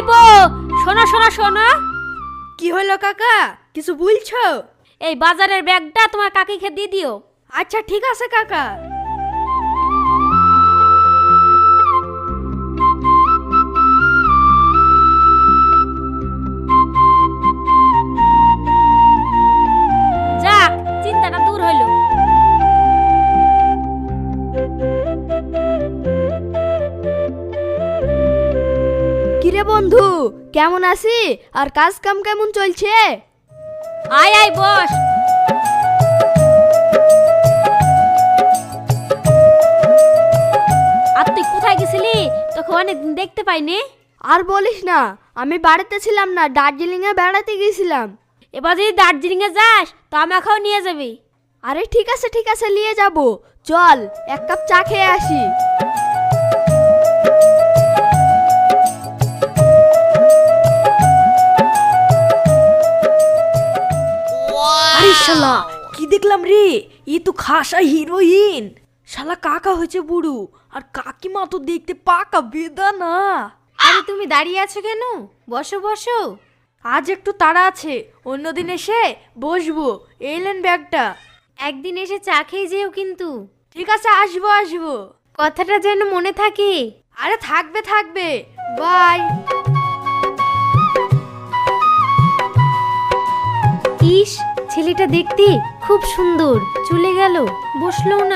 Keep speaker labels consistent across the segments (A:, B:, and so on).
A: ভাইপো, শোনো শোনো শোনো।
B: কি হলো কাকা, কিছু বলছো?
A: এই বাজারের ব্যাগটা তোমার কাকিকে দিয়ে দিও।
B: আচ্ছা ঠিক আছে কাকা।
A: যাক, চিন্তাটা দূর হইলো।
B: কিরে বন্ধু, কেমন আছি? আর কাজ কাম কেমন চলছে?
A: আয় আয় বস। আর তুই কোথায় গেছিলি? তোকে অনেকদিন দেখতে পাইনি।
B: আর বলিস না, আমি বাড়িতে ছিলাম না, দার্জিলিং এ বেড়াতে গেছিলাম।
A: এবার যদি দার্জিলিং এ যাস তো আমাকেও নিয়ে যাবি।
B: আরে ঠিক আছে নিয়ে যাব। চল এক কাপ চা খেয়ে আসি। আরে শালা, কি দেখলাম রে? ই তো খাসা হিরোইন। শালা কাকা হয়েছে বুড়ো, আর কাকিমা তো দেখতে পাকা বেদানা।
A: আরে তুমি দাঁড়িয়ে আছো কেন? বসো বসো।
B: আজ একটু তাড়া আছে, অন্যদিন এসে বসবো। এলেন ব্যাগটা।
A: একদিন এসে চা খেয়ে যেও কিন্তু।
B: ঠিক আছে, আসবো।
A: কথাটা যেন মনে থাকে।
B: আরে থাকবে। বাই।
A: ইস, ছেলেটা দেখতে খুব সুন্দর। চলে গেল, বসলো না।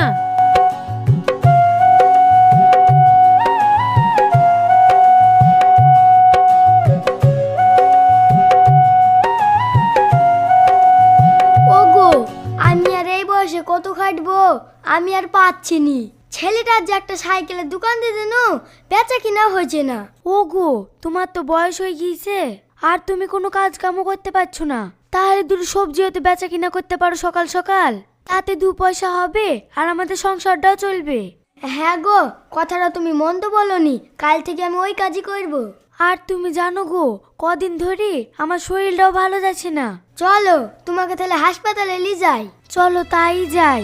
C: ওগো, আমি আর এই বয়সে কত খাটবো, আমি আর পাচ্ছি নি। ছেলেটার যে একটা সাইকেলের দোকান দিয়ে দেন, বেচা কিনা হয়েছে না।
B: ওগো, তোমার তো বয়স হয়ে গিয়েছে, আর তুমি কোনো কাজ কামও করতে পারছো না। তাহলে দুটো সবজি হতে বেচা কিনা করতে পারো সকাল সকাল, তাতে 2 পয়সা হবে আর আমাদের সংসারটাও চলবে।
C: হ্যাঁ গো, কথাটা তুমি মন্দ বলনি। কাল থেকে আমি ওই কাজই করব।
B: আর তুমি জানো গো, কদিন ধরে আমার শরীরটাও ভালো যাচ্ছে না।
C: চলো তোমাকে তাহলে হাসপাতালে নিয়ে যাই।
B: চলো তাই যাই।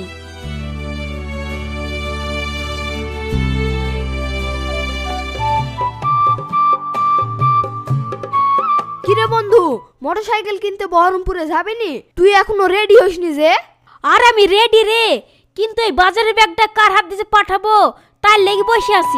B: কিরে বন্ধু, মোটরসাইকেল কিনতে বহরমপুরে যাবেনি? তুই এখনো রেডি হসনি যে?
A: আর আমি রেডি রে, কিন্তু এই বাজারের ব্যাগটা কার হাত দিয়ে পাঠাবো তার লেগে বসে আছি।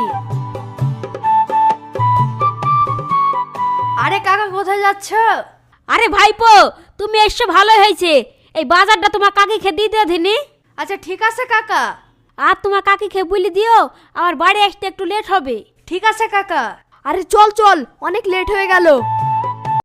B: আরে কাকা, কোথায় যাচ্ছ?
A: আরে ভাইপো, তুমি এসছো ভালো হয়েছে। এই বাজারটা তোমার কাকিকে দিয়ে দিও ধিনি।
B: আচ্ছা ঠিক আছে কাকা।
A: আর তোমার কাকিকে বলে দিও আমার বাড়ি আসতে একটু লেট হবে।
B: ঠিক আছে কাকা। আরে চল, অনেক লেট হয়ে গেল।